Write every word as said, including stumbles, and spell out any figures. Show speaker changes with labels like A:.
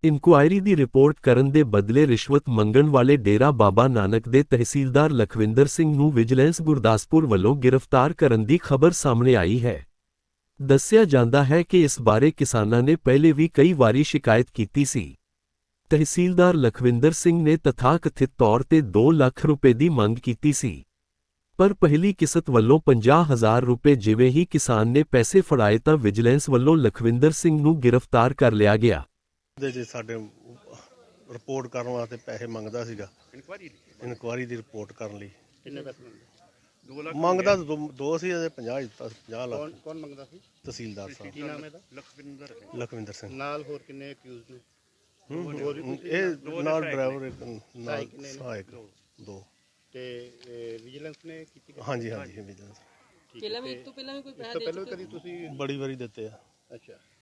A: Inquiry ਦੀ report ਕਰਨ ਦੇ ਬਦਲੇ ਰਿਸ਼ਵਤ ਮੰਗਣ ਵਾਲੇ ਡੇਰਾ ਬਾਬਾ ਨਾਨਕ ਦੇ ਤਹਿਸੀਲਦਾਰ ਲਖਵਿੰਦਰ ਸਿੰਘ ਨੂੰ ਵਿਜੀਲੈਂਸ ਗੁਰਦਾਸਪੁਰ ਵੱਲੋਂ ਗ੍ਰਿਫਤਾਰ ਕਰਨ ਦੀ ਖਬਰ ਸਾਹਮਣੇ ਆਈ ਹੈ। ਦੱਸਿਆ ਜਾਂਦਾ ਹੈ ਕਿ ਇਸ ਬਾਰੇ ਕਿਸਾਨਾਂ ਨੇ ਪਹਿਲੇ ਵੀ ਕਈ ਵਾਰੀ ਸ਼ਿਕਾਇਤ ਕੀਤੀ ਸੀ। ਤਹਿਸੀਲਦਾਰ ਲਖਵਿੰਦਰ ਸਿੰਘ ਨੇ ਤਥਾਕਥਿਤ ਤੌਰ ਤੇ ਦੋ ਲੱਖ ਰੁਪਏ ਦੀ ਮੰਗ ਕੀਤੀ ਸੀ, ਪਰ ਪਹਿਲੀ ਕਿਸ਼ਤ ਵੱਲੋਂ ਪੰਜਾਹ ਹਜ਼ਾਰ ਰੁਪਏ ਜਿਵੇਂ ਹੀ ਕਿਸਾਨ ਨੇ ਪੈਸੇ ਫੜਾਏ ਤਾਂ ਵਿਜੀਲੈਂਸ ਵੱਲੋਂ ਲਖਵਿੰਦਰ ਸਿੰਘ ਨੂੰ ਗ੍ਰਿਫਤਾਰ ਕਰ ਲਿਆ ਗਿਆ।
B: ਦੇ ਜੇ ਸਾਡੇ ਰਿਪੋਰਟ ਕਰਨ ਵਾਸਤੇ ਪੈਸੇ ਮੰਗਦਾ ਸੀਗਾ,
C: ਇਨਕੁਆਰੀ
B: ਇਨਕੁਆਰੀ ਦੀ ਰਿਪੋਰਟ ਕਰਨ ਲਈ
C: ਕਿੰਨੇ ਪੈਸੇ ਮੰਗਦੇ? ਦੋ ਲੱਖ
B: ਮੰਗਦਾ ਤਾਂ ਦੋ- ਦੋ ਸੀ ਅਜੇ ਪੰਜਾਹ ਦਿੱਤਾ ਸੀ, ਪੰਜਾਹ
C: ਕੌਣ
B: ਲੱਖ।
C: ਕੌਣ ਮੰਗਦਾ ਸੀ?
B: ਤਹਿਸੀਲਦਾਰ ਸਾਹਿਬ
C: ਕੀ ਨਾਮ ਹੈ ਇਹਦਾ?
D: ਲਖਵਿੰਦਰ ਸਿੰਘ।
B: ਲਖਵਿੰਦਰ ਸਿੰਘ।
C: ਨਾਲ ਹੋਰ ਕਿੰਨੇ ਅਕਿਊਜ਼ ਨੇ?
B: ਹੂੰ,
C: ਹੋਰ ਵੀ ਕੋਈ
B: ਇਹ ਨਾਲ ਡਰਾਈਵਰ ਇੱਕ ਨਾਲ
C: ਸਹਾਇਕ ਕਿੰਨੇ ਨੇ?
B: ਸਹਾਇਕ ਦੋ।
C: ਤੇ ਵਿਜੀਲੈਂਸ ਨੇ ਕੀਤੀ?
B: ਹਾਂਜੀ ਹਾਂਜੀ ਵਿਜੀਲੈਂਸ
C: ਠੀਕ ਹੈ,
E: ਪਹਿਲਾਂ ਵੀ
C: ਤੇ
E: ਇਸ ਤੋਂ ਪਹਿਲਾਂ ਵੀ ਕੋਈ
C: ਇਸ
E: ਪੈਸਾ
C: ਤੋਂ
E: ਦੇ
C: ਪਹਿਲਾਂ
E: ਚੁੱਕੇ
C: ਕਦੀ ਤੁਸੀਂ?
B: ਬੜੀ ਵਾਰੀ ਦਿੱਤੇ ਆ।
C: ਅੱਛਾ,